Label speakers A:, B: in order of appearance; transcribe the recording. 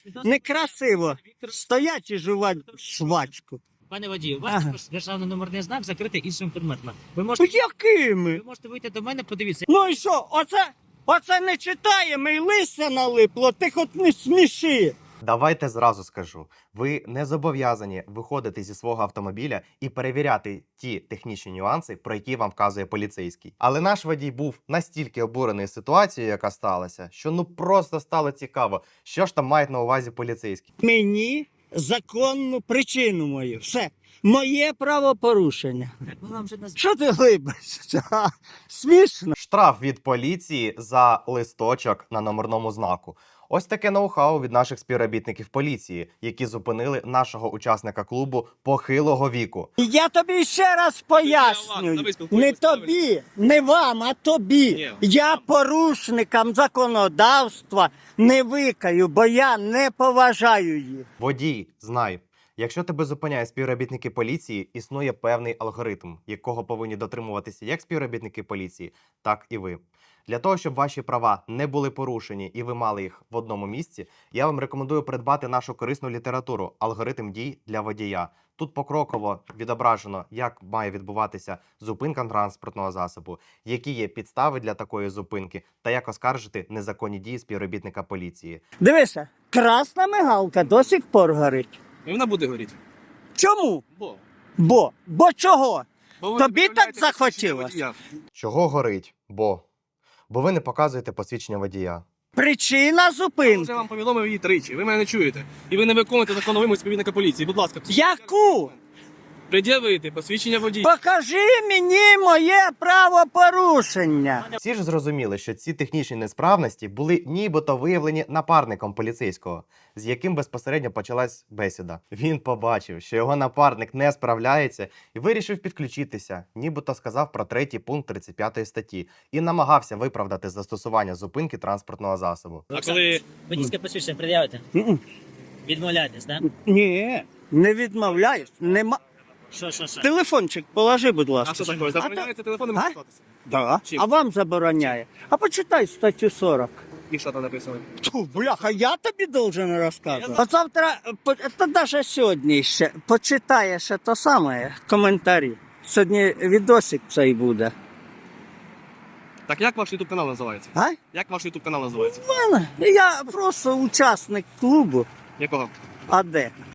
A: Некрасиво стоять і жувати швачку.
B: Пане водію, у вас
A: Ага.
B: також державний номерний знак закритий іншим предметом. Ви
A: Ну,
B: можете,
A: якими?
B: ви можете вийти до мене, подивіться.
A: Ну і що, оце не читаємо і листя налипло, ти хоч не сміши.
C: Давайте зразу скажу: ви не зобов'язані виходити зі свого автомобіля і перевіряти ті технічні нюанси, про які вам вказує поліцейський. Але наш водій був настільки обурений ситуацією, яка сталася, що ну просто стало цікаво, що ж там мають на увазі поліцейські.
A: Мені законну причину мою. Все. Моє правопорушення.
B: Ми вам вже назвали.
A: Що ти глибишся? Смішно.
C: Штраф від поліції за листочок на номерному знаку. Ось таке ноу-хау від наших співробітників поліції, які зупинили нашого учасника клубу похилого віку.
A: Я тобі ще раз пояснюю. Не тобі, не вам, а тобі. Я порушникам законодавства не викаю, бо я не поважаю їх.
C: Водій, знай, якщо тебе зупиняють співробітники поліції, існує певний алгоритм, якого повинні дотримуватися як співробітники поліції, так і ви. Для того, щоб ваші права не були порушені і ви мали їх в одному місці, я вам рекомендую придбати нашу корисну літературу «Алгоритм дій для водія». Тут покроково відображено, як має відбуватися зупинка транспортного засобу, які є підстави для такої зупинки та як оскаржити незаконні дії співробітника поліції.
A: Дивися, красна мигалка до сих пор горить.
D: І вона буде горіти.
A: Чому?
D: Бо
A: Бо чого?
D: ви
A: Тобі так
D: відмовляєтеся
A: захотілось?
D: посвідчення водія.
C: Чого горить? Бо ви не показуєте посвідчення водія.
A: Причина
D: Я
A: зупинки.
D: вже вам повідомив її тричі. Ви мене не чуєте. І ви не виконуєте законну вимогу співробітника поліції. Будь ласка,
A: Яку?
D: пред'явити посвідчення водія.
A: Покажи мені моє правопорушення.
C: Всі ж зрозуміли, що ці технічні несправності були нібито виявлені напарником поліцейського, з яким безпосередньо почалась бесіда. Він побачив, що його напарник не справляється і вирішив підключитися, нібито сказав про 3-й пункт 35 статті і намагався виправдати застосування зупинки транспортного засобу.
D: А коли
B: Водійське посвідчення пред'явите?
A: М-м.
B: Відмовляєтесь, так?
A: Ні, не відмовляюсь. Нема.
B: Що?
A: Телефончик положи, будь ласка.
D: а що таке? Забороняється телефоном
A: А?
D: користуватися?
A: Да.
D: Чим?
A: А вам забороняє. А почитай статтю 40.
D: І що там написано?
A: Ту, бляха, я тобі должен розказувати. А завтра, та навіть сьогодні ще, почитаєш те саме, коментарі. Сьогодні відосик цей буде.
D: Так як ваш YouTube канал називається?
A: А?
D: Як ваш YouTube канал називається?
A: Я просто учасник клубу.
D: Якого?
A: А де?